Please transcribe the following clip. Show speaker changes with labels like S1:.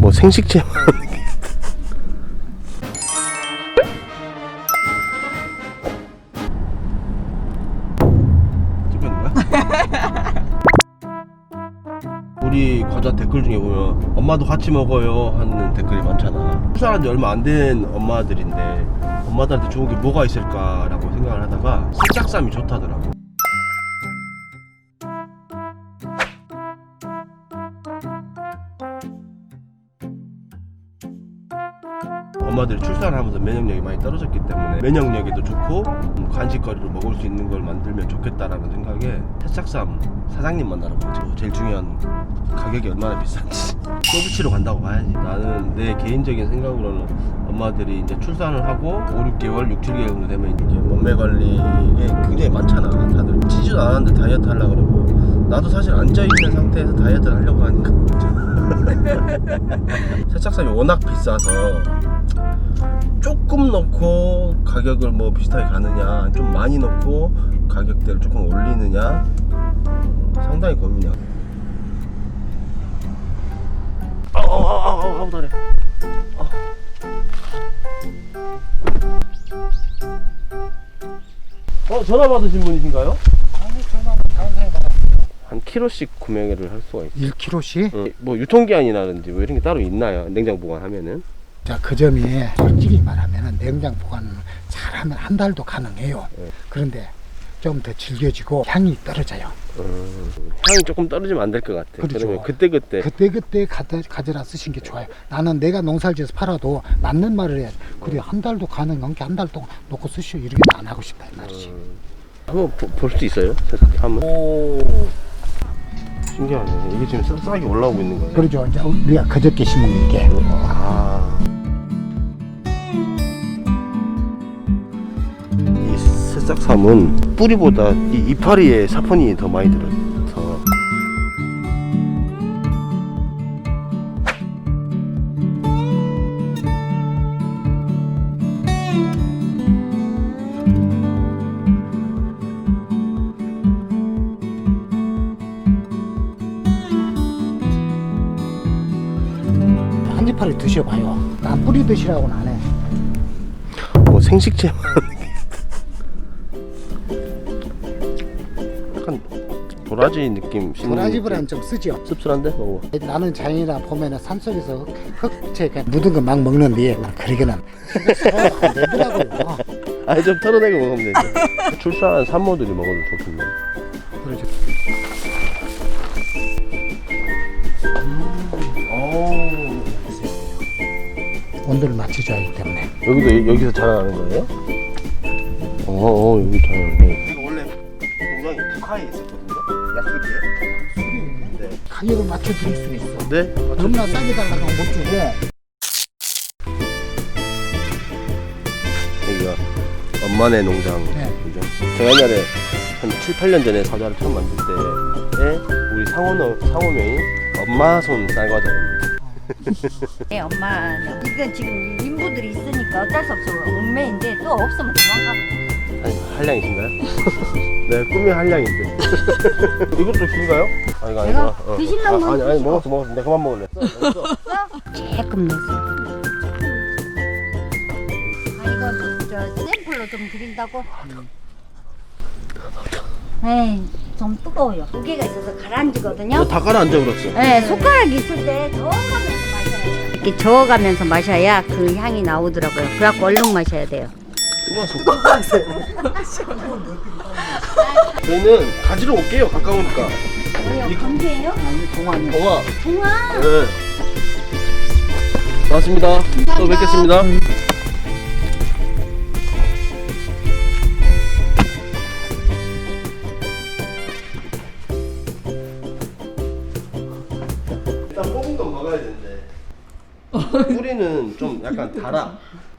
S1: 뭐 생식체 찍혔는 거야? 우리 과자 댓글 중에 보면 엄마도 같이 먹어요 하는 댓글이 많잖아. 출산한 지 얼마 안 된 엄마들인데 엄마들한테 좋은 게 뭐가 있을까라고 생각을 하다가 새싹쌈이 좋다더라고. 엄마들이 출산하면서 면역력이 많이 떨어졌기 때문에 면역력에도 좋고 간식거리로 먹을 수 있는 걸 만들면 좋겠다라는 생각에 새싹쌈 사장님 만나러 가죠. 제일 중요한 가격이 얼마나 비싼지 소비치로 간다고 봐야지. 나는 내 개인적인 생각으로는 엄마들이 이제 출산을 하고 5, 6개월, 6, 7개월 정도 되면 이제 몸매 관리에 굉장히 많잖아. 다들 찌지도 않았는데 다이어트 하려고 그러고 나도 사실 앉아있는 상태에서 다이어트를 하려고 하니까 새싹쌈이 워낙 비싸서 조금 넣고 가격을 뭐 비슷하게 가느냐 좀 많이 넣고 가격대를 조금 올리느냐 상당히 고민이야. 아우 다리. 전화 받으신 분이신가요?
S2: 아니 전화는 다른 사람 받았어요.
S1: 한 킬로씩 구매를 할 수가 있어요.
S2: 1kg씩?
S1: 뭐 유통기한이라든지 뭐 이런 게 따로 있나요? 냉장 보관하면은?
S2: 자, 그 점이 솔직히 말하면 냉장 보관 잘하면 한 달도 가능해요. 그런데 좀 더 질겨지고 향이 떨어져요.
S1: 향이 조금 떨어지면 안 될 것 같아.
S2: 그렇죠.
S1: 그러면 그때
S2: 가져라 쓰신 게 좋아요. 나는 내가 농사를 지어서 팔아도 맞는 말을 해야지. 그래 한 달도 가능한 게 한 달 동안 놓고 쓰시오 이렇게 안 하고 싶다 이 말이지.
S1: 한번 볼 수 있어요? 한번.
S2: 오,
S1: 신기하네. 이게 지금 싹싹이 올라오고 있는 거예요.
S2: 그러죠. 이제 우리가 그저께 심은 이게.
S1: 이 새싹삼은 뿌리보다 이 이파리에 사포닌이 더 많이 들어서
S2: 한지파리 드셔봐요. 난 뿌리 드시라고는 안 해.
S1: 뭐 생식체 약간 도라지 느낌.
S2: 도라지보다는 좀 쓰죠.
S1: 씁쓸한데? 먹어봐.
S2: 나는 자연이라 보면은 산속에서 흙채 묻은 거 막 먹는데 그러기는 안 되더라고요.
S1: 아니 좀 털어내고 먹으면 되죠. 출산한 산모들이 먹어도 좋겠네.
S2: 그러죠. 온도를 맞춰줘야 하기 때문에.
S1: 여기서 자라나는 거예요? 여기 자라네. 이거 원래 공장이 북한에 있었거든요. 약수기에. 네.
S2: 가격을 맞춰드릴 수는 있어.
S1: 네?
S2: 너무나 싸게 달라고 못 주고.
S1: 여기가 엄마네 농장.
S2: 네.
S1: 그죠? 제가 옛날에 한 7, 8년 전에 과자를 처음 만들 때에 우리 상호명이 엄마 손 쌀과자입니다.
S3: 네, 엄마는 이건 지금 인부들이 있으니까 어쩔 수 없어 옥매인데 또 없으면 도망가거든.
S1: 한량이신가요? 네, 꿈이 한량인데. 이것도 긴가요? 아, 이거
S3: 내가
S1: 아니구나.
S3: 드실라면
S1: 아니,
S3: 드시고.
S1: 먹었어. 내가 그만 먹을래.
S3: 조금 넣었어. 아 이거 저 샘플로 좀 드린다고. 에이 좀 뜨거워요. 무게가 있어서 가라앉거든요.
S1: 다 가라앉아 버렸어.
S3: 네, 손가락 있을 때 저어가면서 마셔야 돼요. 이렇게 저어가면서 마셔야 그 향이 나오더라고요. 그래갖고 얼른 마셔야 돼요.
S1: 뜨거워서. 저희는 가지러 올게요. 가까우니까.
S3: 뭐요? 감기예요?
S2: 아니 동안이.
S1: 동아.
S3: 동아.
S1: 네. 고맙습니다. 또 뵙겠습니다. 일단 뽑은 건 먹어야 되는데 뿌리는 좀 약간 달아.